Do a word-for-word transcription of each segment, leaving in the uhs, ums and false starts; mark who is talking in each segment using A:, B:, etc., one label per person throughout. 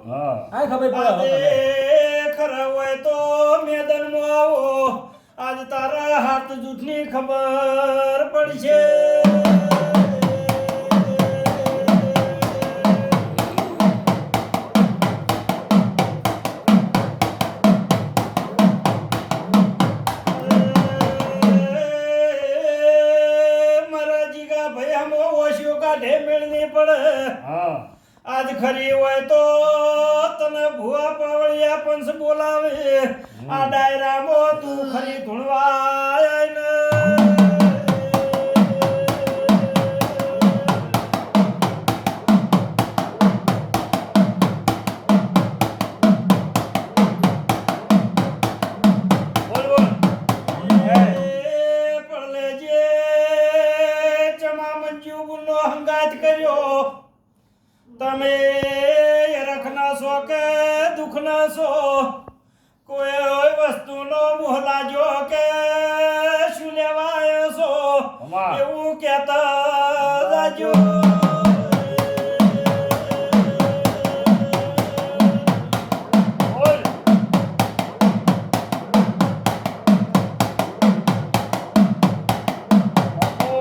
A: હા
B: આ ખબર પડે
C: આજે ખરા હોય તો મેદાનમાં આવો આજ તારા હાથ જૂઠની ખબર પડશે મારા જીગા ભયામાં ઓશિયો કાઢે મેળની પડે
A: હા
C: આજ ખરી હોય તો તને ભુવા પાવળિયા પંચ બોલાવે આ ડાયરામાં તું ખરી ધૂણવાય ને
A: બોલ બોલ
C: એ પડલેજે ચમા મંજુ ગુનો હંગાત કર્યો તમે રખના છો કે દુખના છો કોઈ વસ્તુનો મોહ લાજો કે શું લેવાય છો
A: અમા.
C: એવું કહેતા જાજો
A: બોલ બાપુ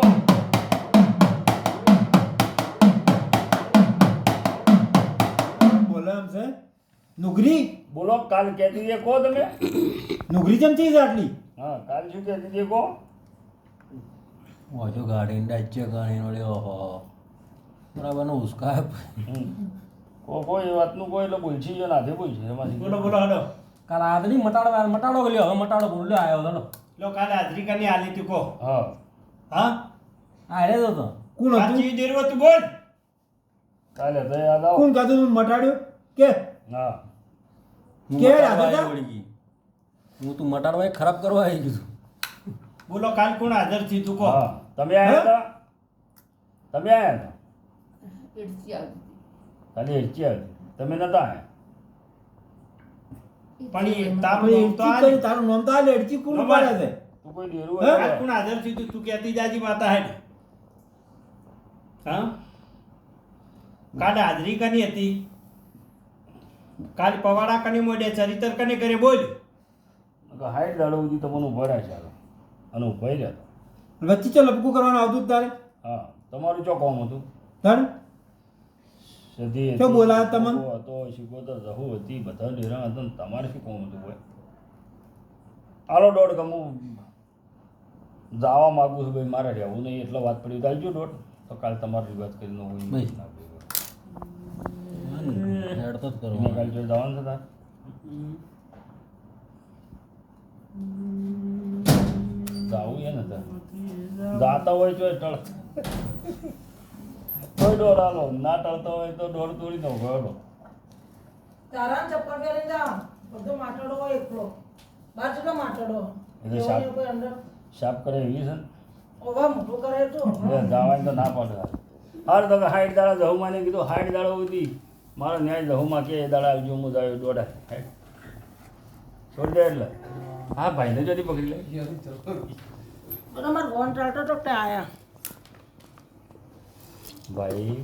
B: બોલે એમ છે નુગરી
A: બોલો કાલ કહેતી હતી કહો તમે
B: નુગરી ચમચી છે આટલી
A: હા કાલ શું કહેતી હતી કહો
D: ઓછો ગાડી ડાચે ગાડી નો લ્યો હો બરાબર નો ઉસકા
A: હમ. કો કોઈ એ વાતનું કોઈ એટલે બોલછી જો નાથે બોલછી એમાંથી
C: બોલો બોલો હલો
D: કાલ આદરી મટાડો મટાડો લ્યો હવે મટાડો બોલ્યો આવ્યો હલો
C: લો કાલે હાજરી કરની આલી તું કહો
A: હા
C: હા
D: આ રે તો તો
B: કોણ હતું
C: સાચી દેરવો તું બોલ
A: કાલે તો યાદ આવો
B: કોણ કાતું તું મટાડ્યો કે
A: હા
D: હું
B: કે
D: મટાડવા
B: રાધા
D: આવ્યો વળી ગઈ. હું તું મટાડવા એ ખરાબ કરવા આવી ગયું
C: બોલો કાલ કોણ હાજર થી તું કહો
A: હા તમે આયા હતા તમે આયા હતા ખાલી હેચી આવી તમે નતા આયા
C: પણ એ તાપ
B: આપણે
C: નહોતો
B: એડચી
C: આલી.
B: કરી તારું નામ તો આ લેડચી કોણ
C: નંબર.
B: પાડે છે
A: તું કોઈ ડેરું
B: હે?
C: કાલ કોણ હાજર થી તું તું કહેતી જાજી માતા હે હા કાલે હાજરી કની હતી કાલ પવાડા કની મોડે ચરિત્ર કને કરે બોલ
A: હાઈટ દાડો સુધી તમને ઉભા રહ્યા છે અને ઉભા રહ્યા
B: વચ્ચે ચો લપકું કરવાનું આવતું જ તારે
A: હા તમારું ચો કોમ હતું
B: તારે
A: સધી
B: શું બોલાવે તમને?
A: હતો શીખોતર રહુ હતી બધા ડેરા હતા ને તમારે શું કોમ હતું ભાઈ આલો દોઢ ગમું જવા માગું છું ભાઈ મારે રહેવું નહીં એટલે વાત પડી દાલજો દોઢ તો કાલ તમારી વાત કરીને હું
D: ભાઈ.
A: ના ભેગો.
D: હેડતો જ
A: તમે
D: કરવા
A: કાલ જોઈ જવાનું છે તાર જાવું એ ને તાર જાતા હોય તો ટળ કોઈ દોડ આલો ના ટળતો હોય તો દોડ તોડી દો ગયો
E: તારા ચપ્પલ પહેરીને જા બધો માટડો હોય એકલો બાર જેટલો માટડો
A: એ તો
E: એવો
A: સાપ.
E: ને કોઈ અંદર
A: સાફ કરે એવી છે ને
E: ઓવા મોટું કરે તો
A: એટલે જવાની તો ના પડે હાર તો હાઈટ દાડા જહુમાં ને કીધું હાઈટ દાડો હતી મારો ન્યાય જહુમાં કે એ દાડા આવજો હું જાય દોડા હાઈટ છોડી દે એટલે હા ભાઈને જલ્દી પકડી લે
E: બધા મારે ફોન ચાલતો તો તે આયા
A: ભાઈ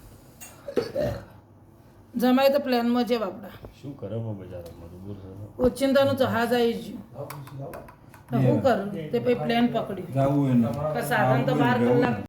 E: જમાય તો પ્લેનમાં છે બાપડા
A: શું કરે પણ બજારો મજબૂર છે
E: ઓચિંતાનું જહાજ આવી ગયું તો શું કરું તે પછી પ્લેન પકડ્યું
B: જાવું એને
E: કે સાધન તો બાર કલાક